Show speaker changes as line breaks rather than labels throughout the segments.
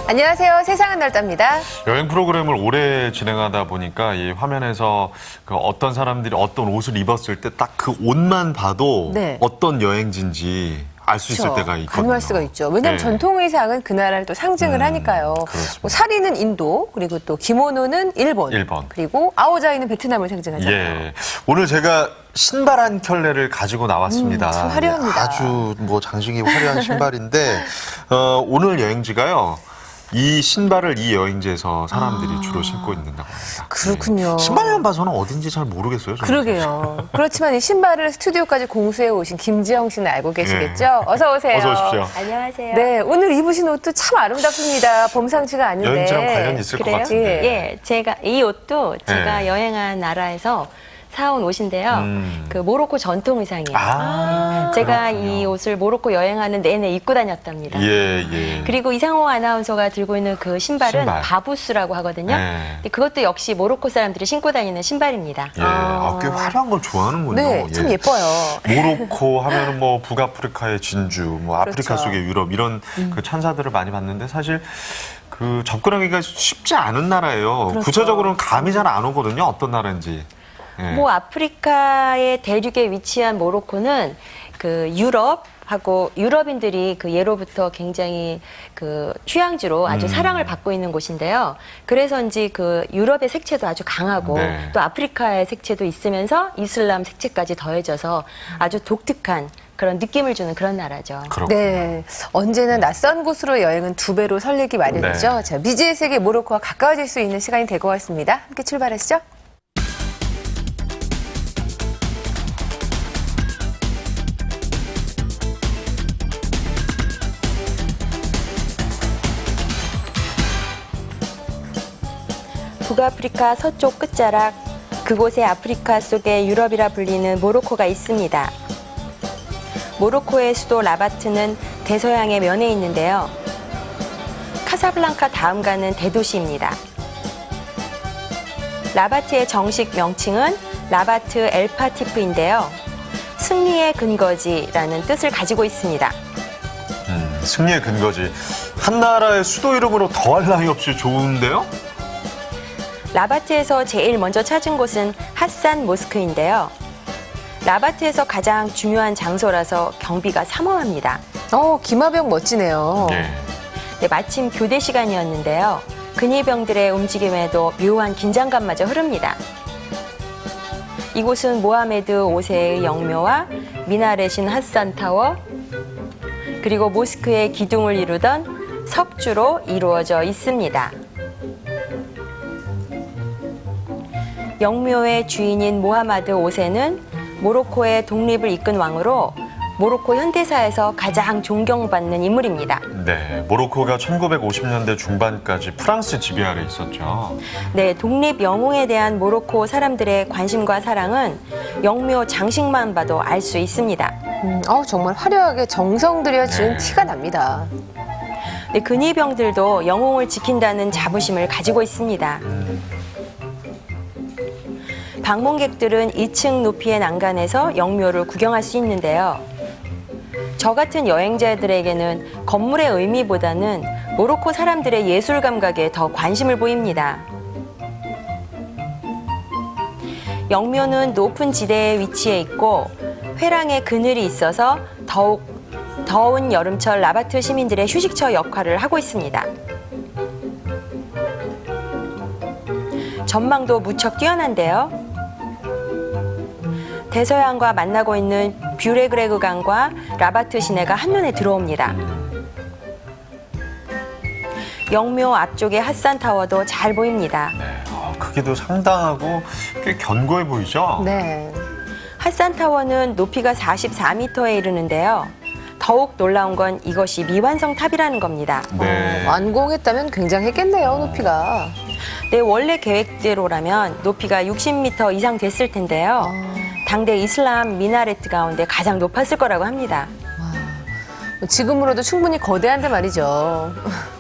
안녕하세요. 세상은 넓답니다.
여행 프로그램을 오래 진행하다 보니까 이 화면에서 그 어떤 사람들이 어떤 옷을 입었을 때 딱 그 옷만 봐도
네.
어떤 여행지인지 알 수 있을 때가 있거든요.
가늠할 수가 있죠. 왜냐하면
네.
전통 의상은 그 나라를 또 상징을 하니까요.
그렇습니다.
뭐 사리는 인도, 그리고 또 기모노는 일본, 그리고 아오자이는 베트남을 상징하잖아요.
예. 오늘 제가 신발 한 켤레를 가지고 나왔습니다.
참 화려합니다.
아주 뭐 장식이 화려한 신발인데 오늘 여행지가요. 이 신발을 이 여행지에서 사람들이 주로 신고 있는다고 합니다.
그렇군요.
신발만 봐서는 어딘지 잘 모르겠어요. 저는.
그러게요. 그렇지만 이 신발을 스튜디오까지 공수해 오신 김지영 씨는 알고 계시겠죠? 어서 오세요.
어서 오십시오.
안녕하세요.
네, 오늘 입으신 옷도 참 아름답습니다. 범상치가 아닌데.
여행지랑 관련이 있을 것
그래요?
같은데.
예, 제가 이 옷도 제가
네.
여행한 나라에서 사온 옷인데요. 그 모로코 전통 의상이에요. 제가 이 옷을 모로코 여행하는 내내 입고 다녔답니다.
예, 예.
그리고 이상호 아나운서가 들고 있는 그 신발은
신발.
바부스라고 하거든요.
네.
근데 그것도 역시 모로코 사람들이 신고 다니는 신발입니다.
예, 꽤 화려한 걸 좋아하는군요.
네, 참
예.
예뻐요.
모로코 하면은 뭐 북아프리카의 진주, 뭐 아프리카
그렇죠.
속의 유럽 이런 그 찬사들을 많이 봤는데 사실 그 접근하기가 쉽지 않은 나라예요.
그렇죠.
구체적으로는 감이 잘 안 오거든요. 어떤 나라인지. 예.
뭐 아프리카의 대륙에 위치한 모로코는 그 유럽하고 유럽인들이 그 예로부터 굉장히 그 휴양지로 아주 사랑을 받고 있는 곳인데요. 그래서인지 그 유럽의 색채도 아주 강하고
네.
또 아프리카의 색채도 있으면서 이슬람 색채까지 더해져서 아주 독특한 그런 느낌을 주는 그런 나라죠.
그렇군요.
네, 언제나 낯선 곳으로 여행은 두 배로 설레기 마련이죠.
네.
자, 미지의 세계 모로코와 가까워질 수 있는 시간이 될 것 같습니다. 함께 출발하시죠.
북아프리카 서쪽 끝자락, 그곳에 아프리카 속의 유럽이라 불리는 모로코가 있습니다. 모로코의 수도 라바트는 대서양의 면에 있는데요. 카사블랑카 다음 가는 대도시입니다. 라바트의 정식 명칭은 라바트 엘파티프인데요. 승리의 근거지라는 뜻을 가지고 있습니다.
승리의 근거지. 한 나라의 수도 이름으로 더할 나위 없이 좋은데요?
라바트에서 제일 먼저 찾은 곳은 핫산 모스크인데요. 라바트에서 가장 중요한 장소라서 경비가 삼엄합니다.
기마병 멋지네요.
예.
네, 마침 교대 시간이었는데요. 근위병들의 움직임에도 묘한 긴장감마저 흐릅니다. 이곳은 모하메드 5세의 영묘와 미나렛인 핫산 타워, 그리고 모스크의 기둥을 이루던 석주로 이루어져 있습니다. 영묘의 주인인 모하마드 5세는 모로코의 독립을 이끈 왕으로 모로코 현대사에서 가장 존경받는 인물입니다.
네, 모로코가 1950년대 중반까지 프랑스 지배 아래 있었죠.
네, 독립 영웅에 대한 모로코 사람들의 관심과 사랑은 영묘 장식만 봐도 알 수 있습니다.
정말 화려하게 정성 들여 지은
네.
티가 납니다.
네, 근위병들도 영웅을 지킨다는 자부심을 가지고 있습니다. 방문객들은 2층 높이의 난간에서 영묘를 구경할 수 있는데요. 저 같은 여행자들에게는 건물의 의미보다는 모로코 사람들의 예술 감각에 더 관심을 보입니다. 영묘는 높은 지대에 위치해 있고 회랑에 그늘이 있어서 더욱 더운 여름철 라바트 시민들의 휴식처 역할을 하고 있습니다. 전망도 무척 뛰어난데요. 대서양과 만나고 있는 뷰레그레그 강과 라바트 시내가 한눈에 들어옵니다. 영묘 앞쪽의 핫산 타워도 잘 보입니다.
네, 크기도 상당하고 꽤 견고해 보이죠?
네.
핫산 타워는 높이가 44m에 이르는데요. 더욱 놀라운 건 이것이 미완성 탑이라는 겁니다.
네.
완공했다면 굉장했겠네요, 높이가.
네, 원래 계획대로라면 높이가 60m 이상 됐을 텐데요. 당대 이슬람 미나레트 가운데 가장 높았을 거라고 합니다.
지금으로도 충분히 거대한데 말이죠.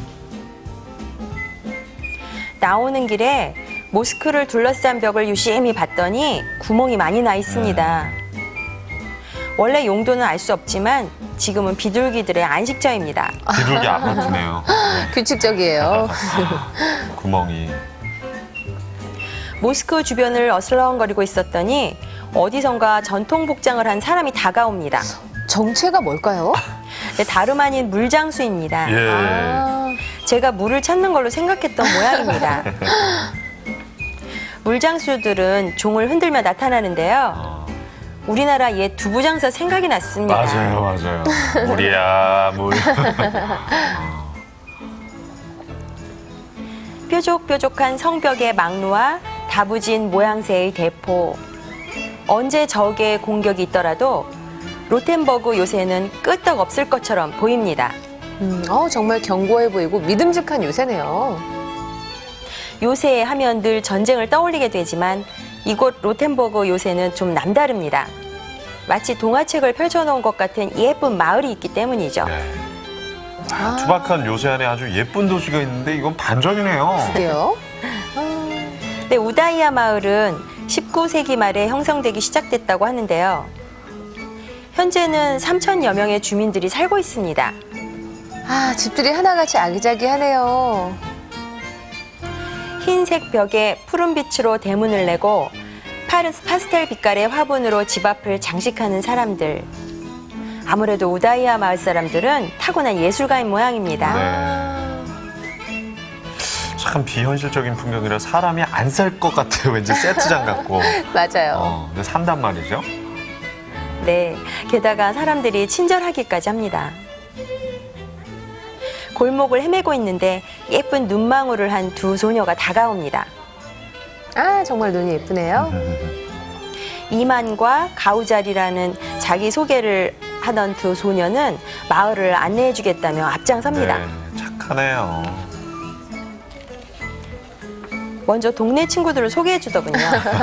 나오는 길에 모스크를 둘러싼 벽을 유심히 봤더니 구멍이 많이 나 있습니다. 원래 용도는 알 수 없지만 지금은 비둘기들의 안식처입니다.
비둘기 아파트네요.
규칙적이에요.
구멍이.
모스크 주변을 어슬렁거리고 있었더니 어디선가 전통 복장을 한 사람이 다가옵니다.
정체가 뭘까요?
네, 다름 아닌 물장수입니다.
예.
아,
제가 물을 찾는 걸로 생각했던 모양입니다. 물장수들은 종을 흔들며 나타나는데요. 우리나라 옛 두부장사 생각이 났습니다.
맞아요. 물이야, 물.
뾰족뾰족한 성벽의 망루와 다부진 모양새의 대포. 언제 적의 공격이 있더라도 로텐버그 요새는 끄떡없을 것처럼 보입니다.
정말 견고해 보이고 믿음직한 요새네요.
요새 하면 늘 전쟁을 떠올리게 되지만 이곳 로텐버그 요새는 좀 남다릅니다. 마치 동화책을 펼쳐놓은 것 같은 예쁜 마을이 있기 때문이죠.
네. 투박한 요새 안에 아주 예쁜 도시가 있는데 이건 반전이네요.
그게요?
네, 우다이야 마을은 19세기 말에 형성되기 시작됐다고 하는데요. 현재는 3,000여 명의 주민들이 살고 있습니다.
아, 집들이 하나같이 아기자기하네요.
흰색 벽에 푸른 빛으로 대문을 내고 파스텔 빛깔의 화분으로 집 앞을 장식하는 사람들. 아무래도 우다이야 마을 사람들은 타고난 예술가인 모양입니다.
네. 참 비현실적인 풍경이라 사람이 안 살 것 같아요. 왠지 세트장 같고.
맞아요.
근데 산단 말이죠.
네, 게다가 사람들이 친절하기까지 합니다. 골목을 헤매고 있는데 예쁜 눈망울을 한 두 소녀가 다가옵니다.
아, 정말 눈이 예쁘네요.
이만과 가우자리라는 자기소개를 하던 두 소녀는 마을을 안내해주겠다며 앞장섭니다.
네, 착하네요.
먼저 동네 친구들을 소개해주더군요.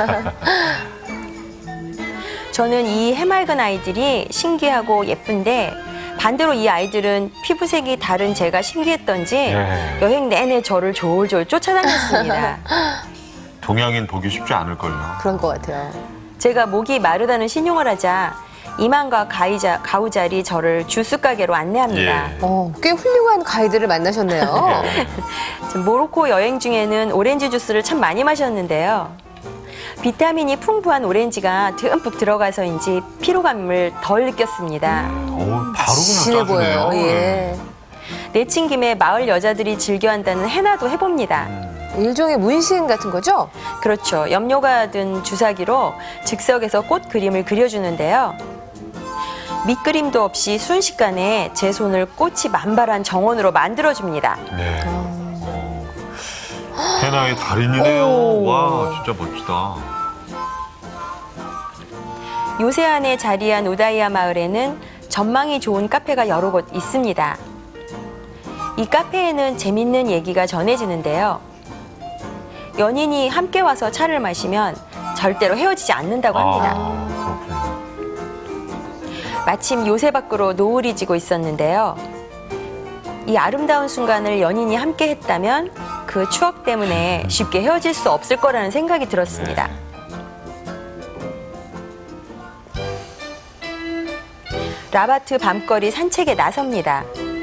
저는 이 해맑은 아이들이 신기하고 예쁜데 반대로 이 아이들은 피부색이 다른 제가 신기했던지
네.
여행 내내 저를 졸졸 쫓아다녔습니다.
동양인 보기 쉽지 않을걸요.
그런 것 같아요.
제가 목이 마르다는 신용을 하자 이만과 가우자리 저를 주스 가게로 안내합니다.
예.
꽤 훌륭한 가이드를 만나셨네요.
모로코 여행 중에는 오렌지 주스를 참 많이 마셨는데요. 비타민이 풍부한 오렌지가 듬뿍 들어가서인지 피로감을 덜 느꼈습니다.
바로
진해
그냥 짜주네요.
보여요. 예.
내친 김에 마을 여자들이 즐겨한다는 헤나도 해봅니다.
일종의 문신 같은 거죠?
그렇죠. 염료가 든 주사기로 즉석에서 꽃 그림을 그려주는데요. 밑그림도 없이 순식간에 제 손을 꽃이 만발한 정원으로 만들어줍니다.
네. 헤나의 달인이네요.
오.
와, 진짜 멋지다.
요새안에 자리한 우다이야 마을에는 전망이 좋은 카페가 여러 곳 있습니다. 이 카페에는 재밌는 얘기가 전해지는데요. 연인이 함께 와서 차를 마시면 절대로 헤어지지 않는다고 합니다.
그렇군요.
마침 요새 밖으로 노을이 지고 있었는데요. 이 아름다운 순간을 연인이 함께 했다면 그 추억 때문에 쉽게 헤어질 수 없을 거라는 생각이 들었습니다. 라바트 밤거리 산책에 나섭니다.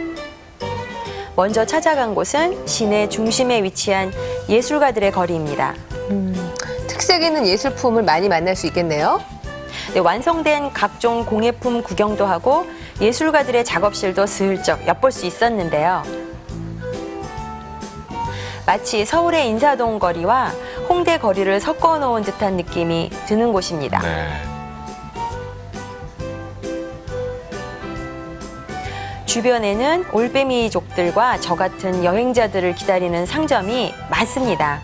먼저 찾아간 곳은 시내 중심에 위치한 예술가들의 거리입니다.
특색 있는 예술품을 많이 만날 수 있겠네요.
네, 완성된 각종 공예품 구경도 하고 예술가들의 작업실도 슬쩍 엿볼 수 있었는데요. 마치 서울의 인사동 거리와 홍대 거리를 섞어 놓은 듯한 느낌이 드는 곳입니다.
네.
주변에는 올빼미족들과 저 같은 여행자들을 기다리는 상점이 많습니다.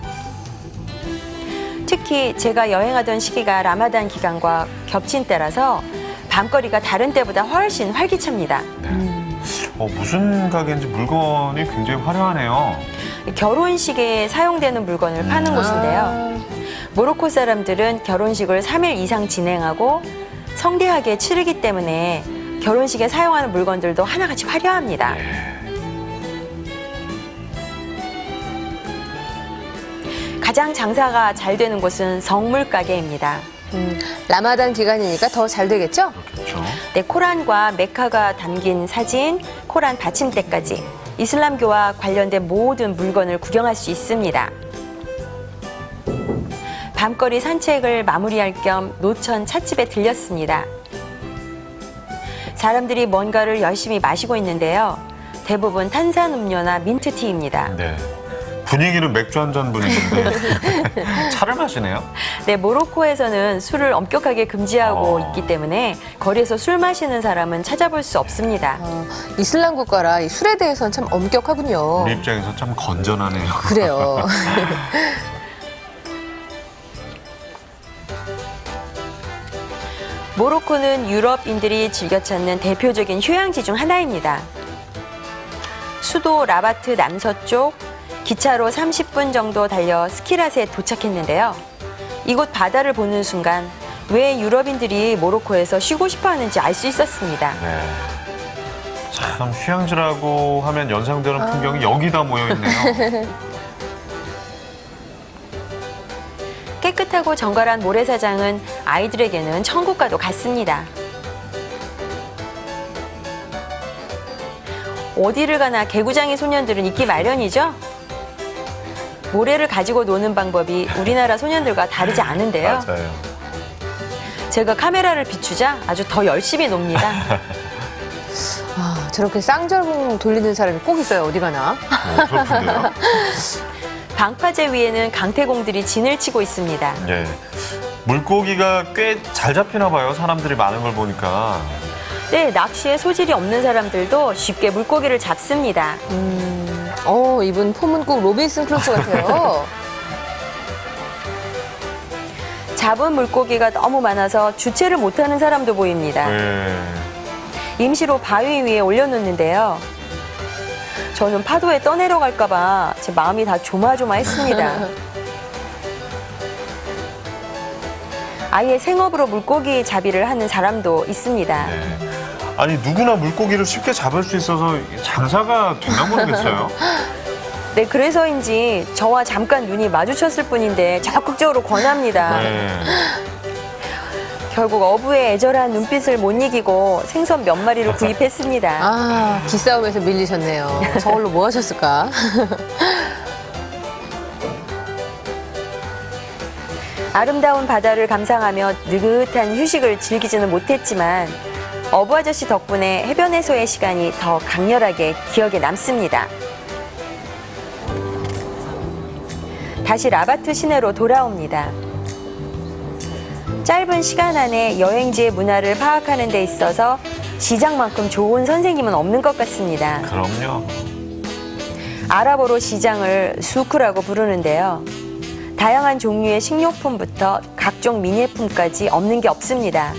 특히 제가 여행하던 시기가 라마단 기간과 겹친 때라서 밤거리가 다른 때보다 훨씬 활기찹니다.
무슨 가게인지 물건이 굉장히 화려하네요.
결혼식에 사용되는 물건을 파는 곳인데요. 모로코 사람들은 결혼식을 3일 이상 진행하고 성대하게 치르기 때문에 결혼식에 사용하는 물건들도 하나같이 화려합니다. 가장 장사가 잘 되는 곳은 성물 가게입니다.
라마단 기간이니까 더 잘 되겠죠?
그렇죠.
네, 코란과 메카가 담긴 사진, 코란 받침대까지 이슬람교와 관련된 모든 물건을 구경할 수 있습니다. 밤거리 산책을 마무리할 겸 노천 찻집에 들렸습니다. 사람들이 뭔가를 열심히 마시고 있는데요. 대부분 탄산음료나 민트티입니다.
네. 분위기는 맥주 한 잔 분위기인데 차를 마시네요.
네, 모로코에서는 술을 엄격하게 금지하고
어.
있기 때문에 거리에서 술 마시는 사람은 찾아볼 수 없습니다.
이슬람 국가라 이 술에 대해서는 참 엄격하군요.
우리 입장에서 참 건전하네요.
그래요.
모로코는 유럽인들이 즐겨 찾는 대표적인 휴양지 중 하나입니다. 수도 라바트 남서쪽 기차로 30분 정도 달려 스키라스에 도착했는데요. 이곳 바다를 보는 순간 왜 유럽인들이 모로코에서 쉬고 싶어 하는지 알 수 있었습니다.
네. 참 휴양지라고 하면 연상되는 풍경이 여기다 모여 있네요.
깨끗하고 정갈한 모래사장은 아이들에게는 천국과도 같습니다. 어디를 가나 개구장이 소년들은 있기 마련이죠. 모래를 가지고 노는 방법이 우리나라 소년들과 다르지 않은데요.
맞아요.
제가 카메라를 비추자 아주 더 열심히 놉니다.
아, 저렇게 쌍절봉 돌리는 사람이 꼭 있어요. 어디 가나.
그렇군요.
방파제 위에는 강태공들이 진을 치고 있습니다.
예. 물고기가 꽤 잘 잡히나 봐요. 사람들이 많은 걸 보니까.
네, 낚시에 소질이 없는 사람들도 쉽게 물고기를 잡습니다.
이분 폼은 꼭 로빈슨 크루소 같아요.
잡은 물고기가 너무 많아서 주체를 못하는 사람도 보입니다.
예.
임시로 바위 위에 올려놓는데요. 저는 파도에 떠내려갈까봐 제 마음이 다 조마조마했습니다. 아예 생업으로 물고기 잡이를 하는 사람도 있습니다.
네. 아니 누구나 물고기를 쉽게 잡을 수 있어서 장사가 되나 모르겠어요.
네, 그래서인지 저와 잠깐 눈이 마주쳤을 뿐인데 적극적으로 권합니다.
네.
결국 어부의 애절한 눈빛을 못 이기고 생선 몇 마리를 구입했습니다.
아, 기싸움에서 밀리셨네요. 저걸로 뭐 하셨을까?
아름다운 바다를 감상하며 느긋한 휴식을 즐기지는 못했지만 어부 아저씨 덕분에 해변에서의 시간이 더 강렬하게 기억에 남습니다. 다시 라바트 시내로 돌아옵니다. 짧은 시간 안에 여행지의 문화를 파악하는 데 있어서 시장만큼 좋은 선생님은 없는 것 같습니다.
그럼요.
아랍어로 시장을 수크라고 부르는데요. 다양한 종류의 식료품부터 각종 미니품까지 없는 게 없습니다.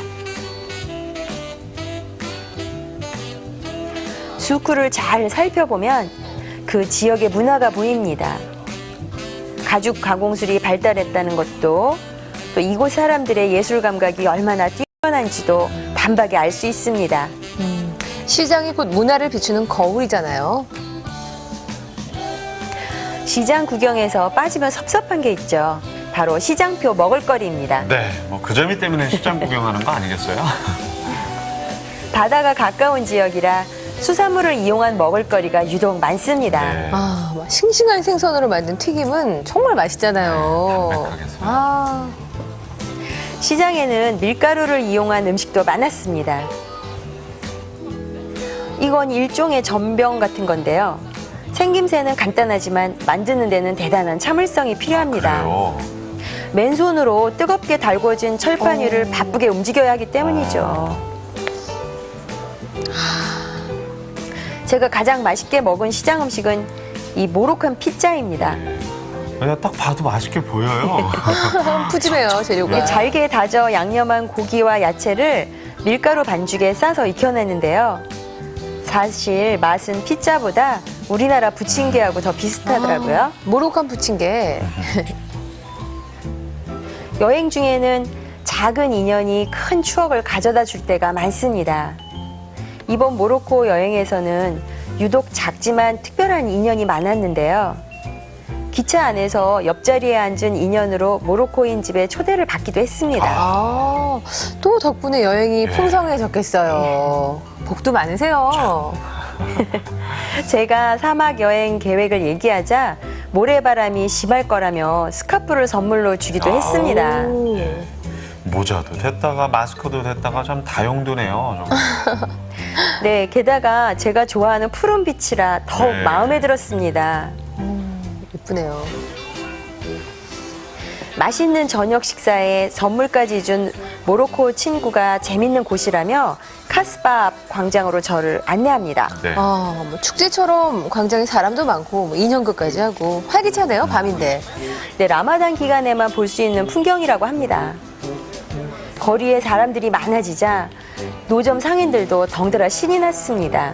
수크를 잘 살펴보면 그 지역의 문화가 보입니다. 가죽 가공술이 발달했다는 것도 또 이곳 사람들의 예술 감각이 얼마나 뛰어난지도 단박에 알 수 있습니다.
시장이 곧 문화를 비추는 거울이잖아요.
시장 구경에서 빠지면 섭섭한 게 있죠. 바로 시장표 먹을거리입니다.
네, 뭐 그 재미 때문에 시장 구경하는 거 아니겠어요?
바다가 가까운 지역이라 수산물을 이용한 먹을거리가 유독 많습니다.
네.
아, 막 싱싱한 생선으로 만든 튀김은 정말 맛있잖아요.
네, 담백하겠어요.
아,
시장에는 밀가루를 이용한 음식도 많았습니다. 이건 일종의 전병 같은 건데요. 생김새는 간단하지만 만드는 데는 대단한 참을성이 필요합니다.
그래요.
맨손으로 뜨겁게 달궈진 철판 위를 바쁘게 움직여야 하기 때문이죠. 제가 가장 맛있게 먹은 시장 음식은 이 모로칸 피자입니다.
그냥 딱 봐도 맛있게 보여요.
푸짐해요, 재료가.
잘게 다져 양념한 고기와 야채를 밀가루 반죽에 싸서 익혀냈는데요. 사실 맛은 피자보다 우리나라 부침개하고 더 비슷하더라고요.
모로칸 부침개.
여행 중에는 작은 인연이 큰 추억을 가져다 줄 때가 많습니다. 이번 모로코 여행에서는 유독 작지만 특별한 인연이 많았는데요. 기차 기차 안에서 옆자리에 앉은 인연으로 모로코인 집에 초대를 받기도 했습니다.
아, 또 덕분에 여행이 풍성해졌겠어요. 복도 많으세요.
제가 사막 여행 계획을 얘기하자 모래바람이 심할 거라며 스카프를 선물로 주기도 했습니다.
오.
모자도 됐다가 마스크도 됐다가 참 다용도네요. 정말.
네, 게다가 제가 좋아하는 푸른 빛이라 더욱
네.
마음에 들었습니다.
예쁘네요.
맛있는 저녁 식사에 선물까지 준 모로코 친구가 재밌는 곳이라며 카스바 앞 광장으로 저를 안내합니다.
네.
아, 뭐 축제처럼 광장에 사람도 많고 뭐 인형극까지 하고 활기차네요. 밤인데.
네, 라마단 기간에만 볼 수 있는 풍경이라고 합니다. 거리에 사람들이 많아지자 노점 상인들도 덩달아 신이 났습니다.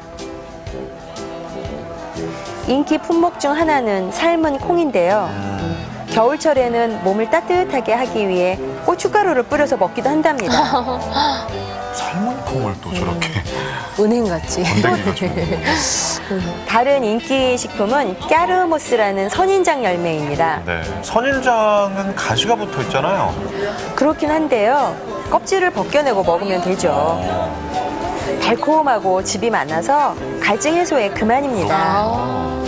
인기 품목 중 하나는 삶은 콩인데요. 겨울철에는 몸을 따뜻하게 하기 위해 고춧가루를 뿌려서 먹기도 한답니다.
삶은 콩을 또 저렇게
은행같이.
건더기가 좀.
다른 인기 식품은 까르모스라는 선인장 열매입니다.
네. 선인장은 가시가 붙어 있잖아요.
그렇긴 한데요. 껍질을 벗겨내고 먹으면 되죠. 달콤하고 즙이 많아서 갈증 해소에 그만입니다.
아.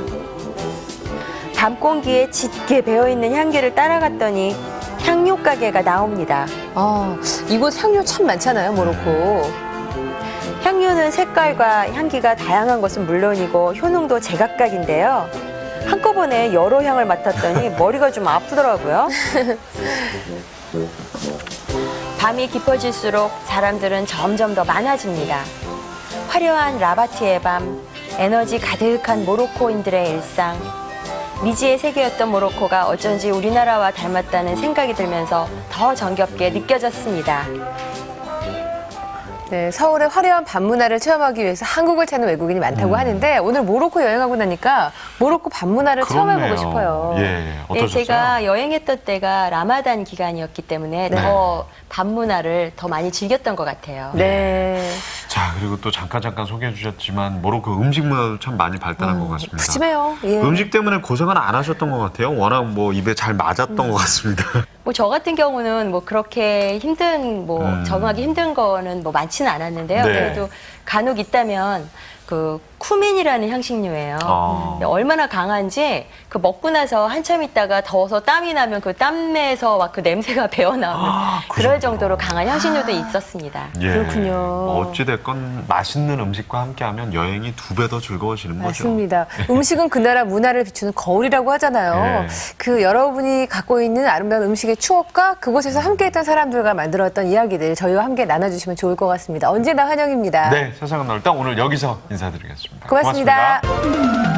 밤 공기에 짙게 배어있는 향기를 따라갔더니 향료 가게가 나옵니다.
아, 이곳 향료 참 많잖아요, 모로코.
향료는 색깔과 향기가 다양한 것은 물론이고 효능도 제각각인데요. 한꺼번에 여러 향을 맡았더니 머리가 좀 아프더라고요. 밤이 깊어질수록 사람들은 점점 더 많아집니다. 화려한 라바트의 밤, 에너지 가득한 모로코인들의 일상, 미지의 세계였던 모로코가 어쩐지 우리나라와 닮았다는 생각이 들면서 더 정겹게 느껴졌습니다.
네, 서울의 화려한 밤 문화를 체험하기 위해서 한국을 찾는 외국인이 많다고 하는데 오늘 모로코 여행하고 나니까 모로코 밤 문화를 체험해보고 싶어요.
예,
네,
어떠셨어요?
제가 여행했던 때가 라마단 기간이었기 때문에
네.
더 밤 문화를 더 많이 즐겼던 것 같아요.
네.
자, 그리고 또 잠깐 소개해 주셨지만 모로코 음식 문화도 참 많이 발달한 것 같습니다.
푸짐해요. 예.
음식 때문에 고생은 안 하셨던 것 같아요. 워낙 뭐 입에 잘 맞았던 것 같습니다.
뭐 저 같은 경우는 뭐 그렇게 힘든 적응하기 힘든 거는 뭐 많지는 않았는데요.
네.
그래도 간혹 있다면 그 쿠민이라는 향신료예요. 근데 얼마나 강한지 그 먹고 나서 한참 있다가 더워서 땀이 나면 그 땀내에서 막 그 냄새가 배어 나오는
그
그럴
정도로.
정도로 강한 향신료도 있었습니다.
예.
그렇군요.
어찌됐건 맛있는 음식과 함께하면 여행이 2배 더 즐거워지는 거죠.
맞습니다. 음식은 그 나라 문화를 비추는 거울이라고 하잖아요.
예.
그 여러분이 갖고 있는 아름다운 음식의 추억과 그곳에서 함께했던 사람들과 만들었던 이야기들 저희와 함께 나눠주시면 좋을 것 같습니다. 언제나 환영입니다.
네, 세상은 넓다. 오늘 여기서 인사드리겠습니다.
고맙습니다.